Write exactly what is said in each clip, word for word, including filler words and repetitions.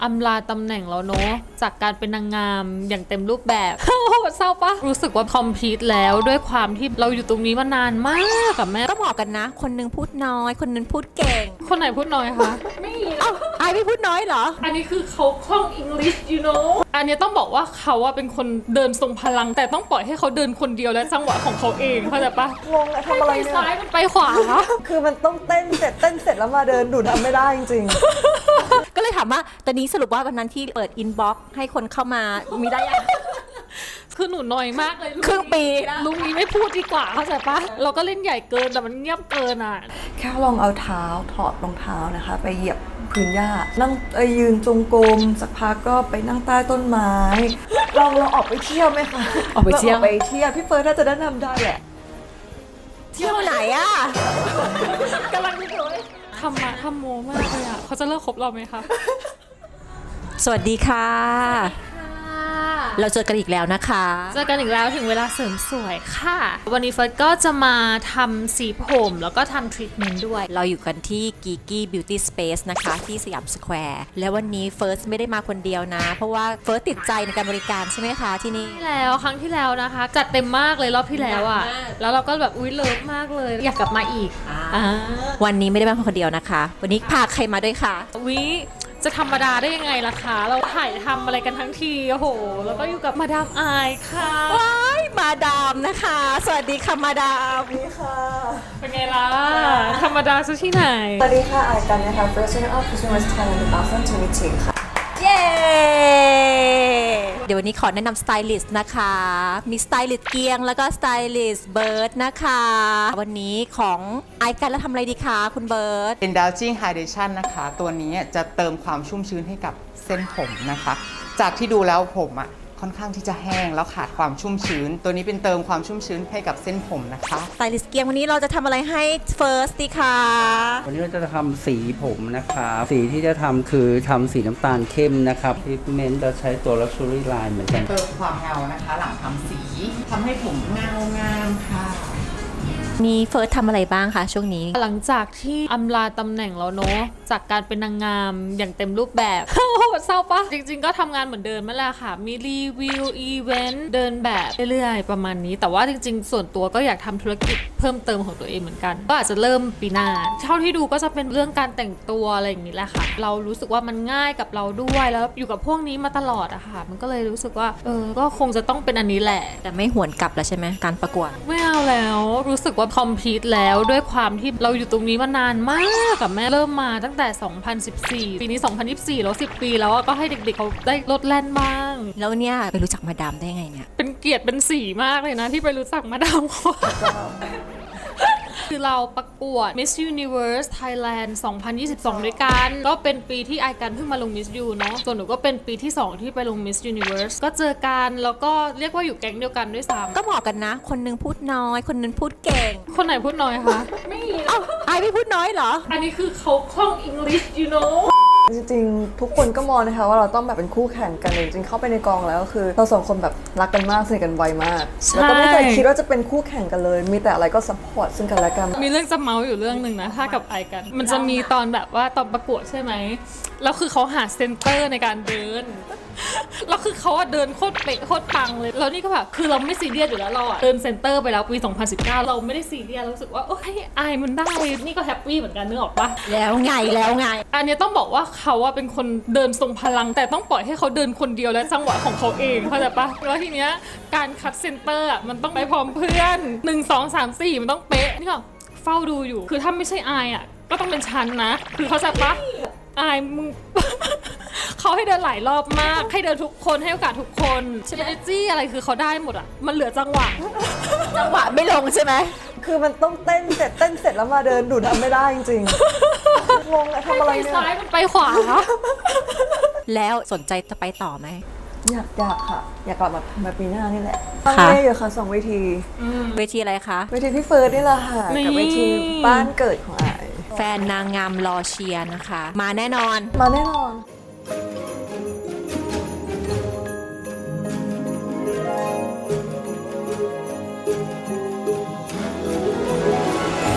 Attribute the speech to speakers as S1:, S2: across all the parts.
S1: อำลาตำแหน่งแล้วเนาะจากการเป็นนางงามอย่างเต็มรูปแบบ เศร้าปะรู้สึกว่าคอมพลีทแล้วด้วยความที่เราอยู่ตรงนี้มานานมากกับแม่
S2: ก็เหมาะกันนะ คนนึงพูดน้อย คนนึงพูดเก่ง
S1: คนไหนพูดน้อยคะไม่มี
S2: เอ้าไอไม่พูดน้อยเหรอ
S1: อันนี้คือเขาคล่องอังกฤษ you know อันนี้ต้องบอกว่าเขาอะเป็นคนเดินทรงพลังแต่ต้องปล่อยให้เขาเดินคนเดียวและจังหวะของเขาเองเข้าใจปะ
S3: งงอะทำอะไร
S1: ไป
S3: เนี่ย
S1: ซ้ายมันไปขวา
S3: คือมันต้องเต้นเสร็จเต้นเสร็จแล้วมาเดินดูทำไม่ได้จริง
S2: ก็เลยถามว่าตอนนี้สรุปว่าวันนั้นที่เปิดอินบ็อกซ์ให้คนเข้ามามีได้ยัง
S1: คือหนูน้อยมากเลย
S2: ครึ่งปี
S1: ลุงนี้ไม่พูดดีกว่าเข้าใจปะเราก็เล่นใหญ่เกินแต่มันเงียบเกินอ่ะ
S3: ๆ แค่ลองเอาเท้าถอดรองเท้านะคะ ไปเหยียบพื้นหญ้านั่งเอ้ยยืนจงกรมสักพักก็ไปนั่งใต้ต้นไม้ ลองเราออกไปเที่ยวไหมคะ
S2: ออกไปเที่ยว
S3: ราออกไปเที่ยวพี่เฟิร์นน่าจะแนะนำได้แหละ
S2: เที่ยวไหนอะ
S1: กำลังดูเลยทำมาทำโมมากเลยอ่ะเขาจะเลิกคบเราไหมคะ
S2: สวัสดีค่ะ เราเจอกันอีกแล้วนะคะ
S1: เจอกันอีกแล้วถึงเวลาเสริมสวยค่ะ วันนี้เฟิร์สก็จะมาทำสีผมแล้วก็ทำทรีทเมนต์ด้วย
S2: เราอยู่กันที่ Geeky Beauty Space นะคะที่สยามสแควร์และวันนี้เฟิร์สไม่ได้มาคนเดียวนะ เพราะว่าเฟิร์สติดใจในการบริการใช่ไหมคะที่นี่
S1: ที่แล้วครั้งที่แล้วนะคะ จัดเต็มมากเลยรอบที่แล้วอ่ะ
S2: หนักมาก
S1: แล้วเราก็แบบอุ้ยเลิฟมากเลย อยากกลับมาอีกอ่า
S2: วันนี้ไม่ได้มาคนเดียวนะคะ วันนี้พาใครมาด้วยคะ
S1: วิจะธรรมดาได้ยังไงล่ะคะ เราถ่ายทำอะไรกันทั้งทีโอ้โห แล้วก็อยู่กับมาดามอายค่ะ
S2: ว้ายมาดามนะคะ สวัสดีค่ะมาดาม
S3: นี่ค่ะ
S1: เป็นไงล่ะ ธรรมดาซะที่ไหน
S3: สวัสดีค่ะอายกันนะคะ First Runner Up Consumers Thailand สองพันยี่สิบค่ะ
S2: เย้ เดี๋ยววันนี้ขอแนะนำสไตลิสต์นะคะ มีสไตลิสต์เกียงแล้วก็สไตลิสต์เบิร์ดนะคะ วันนี้ของไอกันแล้วทำอะไรดีคะคุณเบิร์ด
S4: Indulging Hydration นะคะ ตัวนี้จะเติมความชุ่มชื้นให้กับเส้นผมนะคะ จากที่ดูแล้วผมอ่ะค่อนข้างที่จะแห้งแล้วขาดความชุ่มชื้น ตัวนี้เป็นเติมความชุ่มชื้นให้กับเส้นผมนะคะ
S2: สไตลิสต์เกียงวันนี้เราจะทำอะไรให้เฟิร์สดีคะ
S5: วันนี้เราจะทำสีผมนะครับ สีที่จะทำคือทำสีน้ำตาลเข้มนะครับทรีทเมนต์จะใช้ตัว Luxury Line เหมือนกัน
S4: เติมความเงานะคะ หลังทำสีทำให้ผมเงางามค่ะ
S2: นี่เฟิร์สทำอะไรบ้างคะช่วงนี้
S1: หลังจากที่อำลาตำแหน่งแล้วเนาะจากการเป็นนางงามอย่างเต็มรูปแบบ เศร้าปะจริงๆก็ทำงานเหมือนเดิมนั่นแหละค่ะ มีรีวิวอีเวนต์เดินแบบเรื่อยๆ ประมาณนี้ แต่ว่าจริงๆ ส่วนตัวก็อยากทำธุรกิจเพิ่มเติมของตัวเองเหมือนกัน ก็อาจจะเริ่มปีหน้าเท่าที่ดูก็จะเป็นเรื่องการแต่งตัวอะไรอย่างนี้แหละค่ะ เรารู้สึกว่ามันง่ายกับเราด้วยแล้วอยู่กับพวกนี้มาตลอดอะค่ะ มันก็เลยรู้สึกว่าเออก็คงจะต้องเป็นอันนี้แหละ
S2: แต่ไม่หวนกลับแล้วใช่ไหมการประกวด
S1: ไม่เอาแล้วรู้สึกว่าคอมพลีทแล้วด้วยความที่เราอยู่ตรงนี้มานานมากกับแม่เริ่มมาตั้งแต่ สองพันสิบสี่ ปีนี้ สองพันยี่สิบสี่ แล้ว สิบ ปีแล้วอะก็ให้เด็กๆเขาได้ลดแล่นบ้าง
S2: แล้วเนี่ยไปรู้จักมาดามได้ไงเนี่ย
S1: เป็นเกียรติเป็นสีมากเลยนะที่ไปรู้จักมาดามเขา คือเราประกวด Miss Universe Thailand สองพันยี่สิบสอง ด้วยกัน ก็เป็นปีที่ไอกันเพิ่งมาลง Miss U เนาะ ส่วนหนูก็เป็นปีที่ สอง ที่ไปลง Miss Universe ก็เจอกันแล้วก็เรียกว่าอยู่แก๊งเดียวกันด้วยซ้ำ
S2: ก็เหมาะกันนะ คนนึงพูดน้อย คนนึงพูดเก่ง
S1: คนไหนพูดน้อยคะไม่มี
S2: เอ้าไอไม่พูดน้อยเหรอ
S1: อันนี้คือเขาคล่องอังกฤษ you know
S3: จริงๆ ทุกคนก็มองนะคะว่าเราต้องแบบเป็นคู่แข่งกันจริงๆเข้าไปในกองแล้วก็คือเราสองคนแบบรักกันมากสนิทกันไวมาก
S1: ใช่
S3: แล้วก็ไม่เคยคิดว่าจะเป็นคู่แข่งกันเลย มีแต่อะไรก็ซัพพอร์ตซึ่งกันและกัน
S1: มีเรื่องจะเมาส์อยู่เรื่องหนึ่งนะ ถ้ากับไอกัน มันจะมีตอนแบบว่าตอนประกวดใช่ไหม แล้วคือเขาหาเซนเตอร์ในการเดิน แล้วคือเขาอะเดินโคตรเป๊ะโคตรปังเลย แล้วนี่ก็แบบคือเราไม่ซีเรียสอยู่แล้วเราอะเดินเซนเตอร์ไปแล้วปี สองพันสิบเก้า เราไม่ได้ซีเรียสเรารู้สึกว่าโอ้ยไอมันได้ นี่ก็แฮปปี้เหมือนกันนึกออกปะ
S2: แล้วไงแล้วไง
S1: อันนี้ต้องบอกว่าเขาอะเป็นคนเดินทรงพลัง แต่ต้องปล่อยให้เขาเดินคนเดียวและจังหวะของเขาเองเข้าใจปะแล้วทีเนี้ยการคัดเซนเตอร์อะมันต้องไปพร้อมเพื่อนหนึ่ง สอง สาม สี่มันต้องเป๊ะนี่ก็เฝ้าดูอยู่ คือถ้าไม่ใช่อายอะก็ต้องเป็นฉันนะ คือเข้าใจปะอายมึง เขาให้เดินหลายรอบมาก ให้เดินทุกคนให้โอกาสทุกคนเชนจี้อะไรคือเขาได้หมดอะมันเหลือจังหวะ
S2: จังหวะไม่ลงใช่ไหม
S3: คือมันต้องเต้นเสร็จเต้นเสร็จแล้วมาเดินดูทำไม่ได้จริงๆ งงอะทำอะไร
S1: ไป
S3: เนี่ย
S1: ซ้ายมันไปขวา
S2: แล้วสนใจจะไปต่อไหม
S3: อยากอยากค่ะ อยากกลับมามาปีหน้านี่แหละตั้งเล่อยู่ค่ะสองเวที
S2: เวทีอะไรคะ
S3: เวทีพี่เฟิร์สนี่แหละค่ะ
S1: นี่
S3: กับเวทีบ้านเกิดของไอาย
S2: แฟนนางงามรอเชียร์นะคะ มาแน่นอน
S3: มาแน่นอน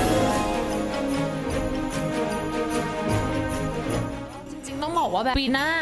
S1: จริงๆต้องบอกว่าแบบปีหน้าอาจ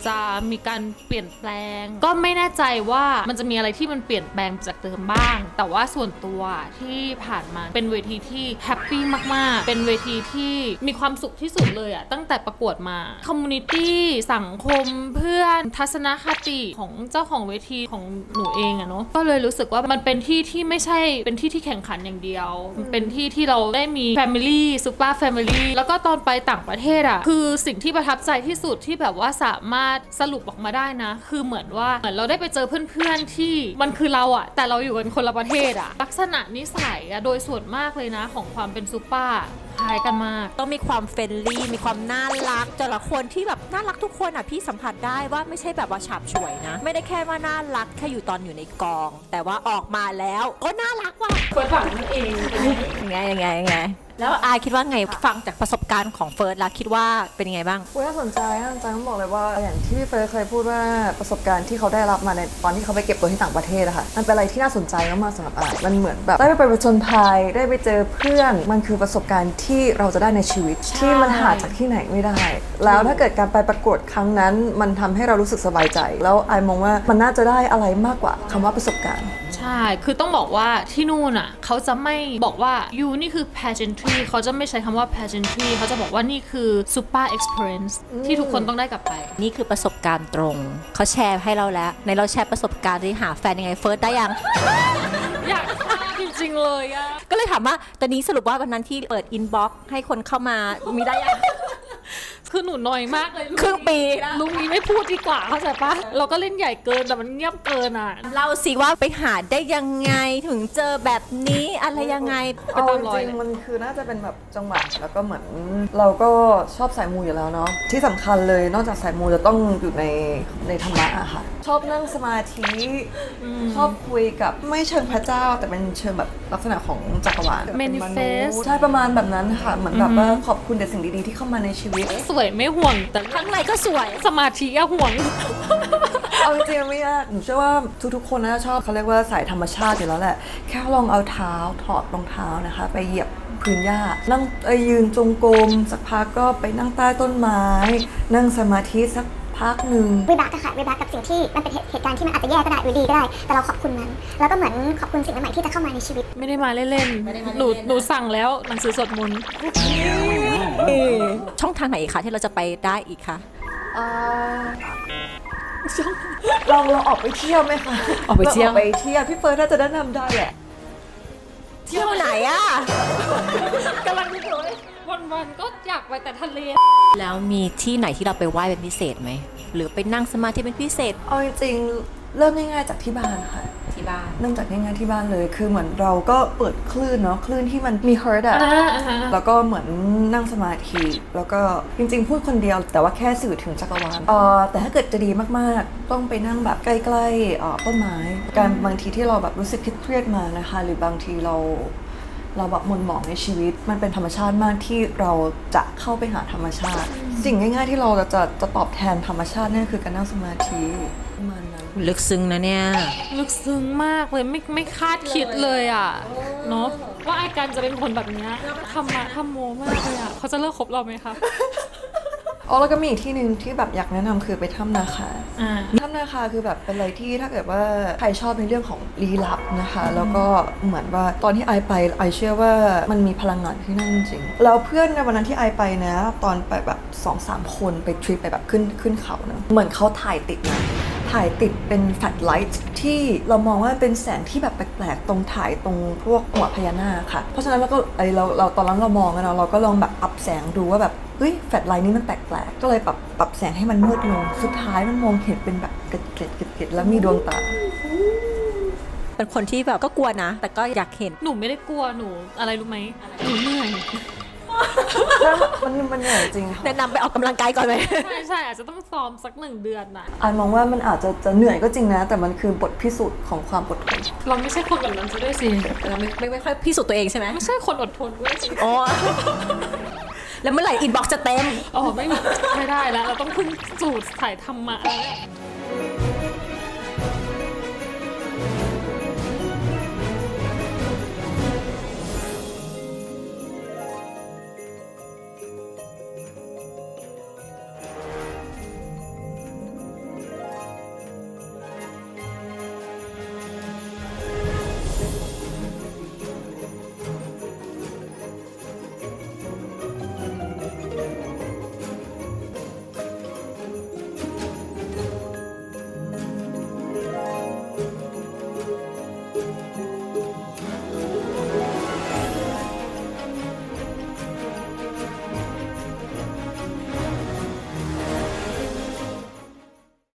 S1: จะมีการเปลี่ยนแปลง ก็ไม่แน่ใจว่ามันจะมีอะไรที่มันเปลี่ยนแปลงจากเดิมบ้าง แต่ว่าส่วนตัวที่ผ่านมาเป็นเวทีที่แฮปปี้มากๆเป็นเวทีที่มีความสุขที่สุดเลยอะตั้งแต่ประกวดมาคอมมูนิตี้สังคมเพื่อนทัศนคติของเจ้าของเวทีของหนูเองอะเนาะก็เลยรู้สึกว่ามันเป็นที่ที่ไม่ใช่เป็นที่ที่แข่งขันอย่างเดียวมันเป็นที่ที่เราได้มี Family Super Family แล้วก็ตอนไปต่างประเทศอะคือสิ่งที่ประทับใจที่สุดที่แบบว่าสามารถสรุปออกมาได้นะคือเหมือนว่าเหมือนเราได้ไปเจอเพื่อนๆที่มันคือเราอะแต่เราอยู่กันคนละประเทศอะลักษณะนิสัยอะโดยส่วนมากเลยนะของความเป็นซูเปอร์คล้ายกันมาก
S2: ต้องมีความเฟรนลี่มีความน่ารักแต่ละคนที่แบบน่ารักทุกคนอ่ะพี่สัมผัสได้ว่าไม่ใช่แบบว่าฉาบฉวยนะ ไม่ได้แค่ว่าน่ารักแค่อยู่ตอนอยู่ในกอง แต่ว่าออกมาแล้วก็น่ารักว่ะ
S1: เฟิร์สฝังนั่นเอง
S2: ยังไงยังไงยังไงแล้วอายคิดว่าไงฟังจากประสบการณ์ของเฟิร์สแล้วคิดว่าเป็นยังไงบ้าง
S3: อุ๊ยน่าสนใจน่าสนใจต้องบอกเลยว่าอย่างที่พี่เฟิร์สเคยพูดว่าประสบการณ์ที่เขาได้รับมาในตอนที่เขาไปเก็บตัวที่ต่างประเทศอะค่ะมันเป็นอะไรที่น่าสนใจมากๆสำหรับอายมันเหมือนแบบได้ไปผจญภัยได้ไปเจอเพื่อนมันคือประสบการณ์ที่เราจะได้ในชีวิตที่มันหาจากที่ไหนไม่ได้ แล้วถ้าเกิดการไปประกวดครั้งนั้นมันทำให้เรารู้สึกสบายใจ แล้วอายมองว่ามันน่าจะได้อะไรมากกว่าคำว่าประสบการณ์
S1: ใช่ คือต้องบอกว่าที่นู่นอ่ะเขาจะไม่บอกว่า you นี่คือ pageantry เขาจะไม่ใช้คำว่า pageantry เขาจะบอกว่านี่คือ super experience ที่ทุกคนต้องได้กลับไป
S2: นี่คือประสบการณ์ตรงเขาแชร์ให้เราแล้วในเราแชร์ประสบการณ์ที่หาแฟนยังไงเฟิร์สได้ยัง
S1: อยากทราบจริงๆเลยอะ
S2: ก็เลยถามว่าตอนนี้สรุปว่าวันนั้นที่เปิดอินบ็อกซ์ให้คนเข้ามามีได้ยัง
S1: คือหนูน้อยมากเลย
S2: ครึ่งปี
S1: ลุงนี้ไม่พูดดีกว่าเข้าใจปะเราก็เล่นใหญ่เกินแต่มันเงียบเกินอ่ะ
S2: เราสิว่าไปหาได้ยังไงถึงเจอแบบนี้อะไรยังไง
S1: ไปตามรอย
S3: จริงๆมันคือน่าจะเป็นแบบจังหวะแล้วก็เหมือนเราก็ชอบสายมูอยู่แล้วเนาะที่สำคัญเลยนอกจากสายมูจะต้องอยู่ในในธรรมะอะค่ะ ชอบนั่งสมาธิชอบคุยกับไม่เชิงพระเจ้า แต่เป็นเชิงแบบลักษณะของจักรวาล
S1: Manifest
S3: ใช่ประมาณแบบนั้นค่ะเหมือนแบบว่าขอบคุณแต่สิ่งดีๆที่เข้ามาในชีวิต
S1: สวยไม่ห่วงแต่
S2: ข้างในก็สวย
S1: สมาธิอะห่วง
S3: เอาจริงๆไม่ยากหนูเชื่อว่าทุกๆคนน่าจะชอบเขาเรียกว่าสายธรรมชาติอยู่แล้วแหละ แค่ลองเอาเท้าถอดรองเท้านะคะ ไปเหยียบพื้นหญ้านั่งเอ้ยยืนจงกรมสักพักก็ไปนั่งใต้ต้นไม้ นั่งสมาธิสักพักหนึ่ง
S6: วิบากอะค่ะวิบากกับสิ่งที่มันเป็นเหตุเหตุการณ์ที่มันอาจจะแย่ก็ได้หรือดีก็ได้ แต่เราขอบคุณมัน แล้วก็เหมือนขอบคุณสิ่งใหม่ๆที่จะเข้ามาในชีวิต
S1: ไม่ได้มาเล่นๆหนูหนูสั่งแล้วหนังสือสวดมนต์
S2: ช่องทางไหนอีกคะที่เราจะไปได้อีกคะ
S3: อ่าลองเราออกไปเที่ยวไหมคะ
S2: ออกไปเที่ยว
S3: ราออกไปเที่ยวพี่เฟิร์สน่าจะแนะนำได้แหละ
S2: เที่ยวไหนอะ
S1: กำลังดูเลยวันๆก็อยากไปแต่ทะเล
S2: แล้วมีที่ไหนที่เราไปไหว้เป็นพิเศษไหมหรือไปนั่งสมาธิเป็นพิเศษ
S3: เอาจริงๆเริ่มง่ายๆจากที่บ้านค่ะ
S2: ที่บ้าน
S3: เริ่มจากง่ายๆที่บ้านเลย คือเหมือนเราก็เปิดคลื่นเนาะคลื่นที่มันมี heart อะ
S1: อ่าอ่าฮะ
S3: แล้วก็เหมือนนั่งสมาธิแล้วก็จริงๆพูดคนเดียวแต่ว่าแค่สื่อถึงจักรวาลเออแต่ถ้าเกิดจะดีมากๆ ต้องไปนั่งแบบใกล้ๆเอ่อต้นไม้การบางทีที่เราแบบรู้สึกเครียดๆมานะคะ หรือบางทีเราเราแบบหมุนหมองในชีวิต มันเป็นธรรมชาติมากที่เราจะเข้าไปหาธรรมชาติ สิ่งง่ายๆที่เราจะจะตอบแทนธรรมชาตินั่นคือการนั่งสมาธิประมาณนั้น
S2: ลึกซึ้งนะเนี่ย
S1: ลึกซึ้งมากเลยไม่ไม่คาดคิดเลยอ่ะเนาะว่าไอ้กันจะเป็นคนแบบเนี้ยทำมาทำโมมากเลยอ่ะเขาจะเลิกคบเราไหมคะ
S3: อ๋อแล้วก็มีอีกที่หนึ่งที่แบบอยากแนะนำคือไปถ้ำนาคา
S1: อ่า
S3: ถ้ำนาคาคือแบบเป็นอะไรที่ถ้าเกิดว่าใครชอบในเรื่องของลี้ลับนะคะ แล้วก็เหมือนว่าตอนที่ไอไปไอเชื่อว่ามันมีพลังงานที่นั่นจริงแล้วเพื่อนในวันนั้นที่ไอไปนะตอนไปแบบสองสามคนไปทริปไปแบบขึ้นขึ้นเขาเนะเหมือนเขาถ่ายติดนะถ่ายติดเป็นแฟลชไลท์ที่เรามองว่าเป็นแสงที่แบบแปลกๆตรงถ่ายตรงพวกหัวพญานาคค่ะเพราะฉะนั้นเราก็ไอเราเราตอนนั้นเรามองกันเนาะเราก็ลองแบบอัพแสงดูว่าแบบเฮ้ยแฟลชไลท์นี้มันแปลกๆก็เลยปรับปรับแสงให้มันมืดลงสุดท้ายมันมองเห็นเป็นแบบเกล็ดเกล็ดเกล็ดเกล็ดแล้วมีดวงตา
S2: เป็นคนที่แบบก็กลัวนะ แต่ก็อยากเห็น
S1: หนูไม่ได้กลัวหนูอะไรรู้ไหมหนูเหนื่อย
S3: มันมันเหนื่อยจริงค่ะ
S2: แนะนำไปออกกำลังกายก่อนไหม
S1: ใช่ใช่อาจจะต้องซ้อมสักหนึ่งเดือนน่ะ
S3: อายมองว่ามันอาจจะจะเหนื่อยก็จริงนะ แต่มันคือบทพิสูจน์ของความอดทน
S1: เราไม่ใช่คนแบบนั้นซะด้วยสิ
S2: เราไม่ไม่ไม่ค่อยพิสูจน์ตัวเองใช่ไหม
S1: ไม่ใช่คนอดทนด้วยสิ
S2: อ๋อ แล้วเมื่อไหร่อินบ็อกซ์จะเต็ม
S1: อ๋อไม่ไม่ได้แล้วเราต้องพึ่งสูตรถ่ายธรรมะแล้วเนี่ย